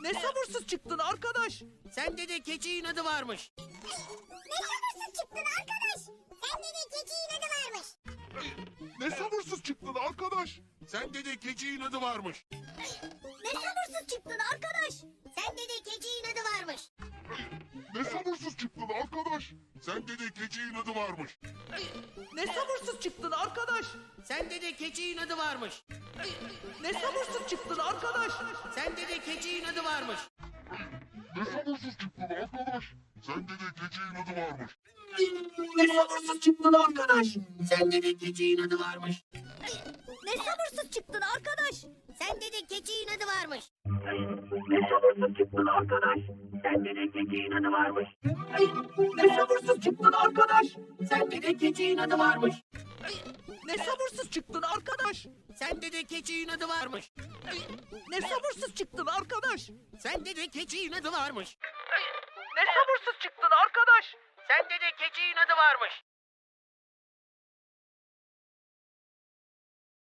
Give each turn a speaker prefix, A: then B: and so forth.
A: Ne sabırsız çıktın arkadaş.
B: Sende de keçi inadı varmış.
C: Ne sabırsız çıktın arkadaş. Sende de keçi inadı varmış.
D: Ne sabırsız çıktın arkadaş.
B: Sende de keçi inadı varmış.
C: Ne sabırsız çıktın arkadaş. Sende de keçi inadı varmış.
D: Ne sabırsız çıktın arkadaş. Sende de keçi inadı varmış.
A: Ne sabırsız çıktın arkadaş.
B: Sende de keçi inadı varmış.
A: Ne sabırsız çıktın arkadaş.
B: Sende de keçi inadı varmış.
D: Ne sabırsız çıktın arkadaş. Sende de keçi inadı varmış.
A: Ne sabırsız çıktın arkadaş.
B: Sende de keçi inadı varmış.
C: Ne sabırsız çıktın arkadaş. Sende de keçi inadı varmış.
A: Ne sabırsız çıktın arkadaş. Sende de keçi inadı varmış. Ne sabırsız çıktın arkadaş.
B: Sende de keçi inadı varmış.
A: Ne sabırsız çıktın arkadaş.
B: Sende de keçi inadı varmış.
A: Ne sabırsız çıktın arkadaş.
B: Sende de keçi inadı varmış.
A: Ne sabırsız çıktın arkadaş.
B: Sende de keçi inadı varmış.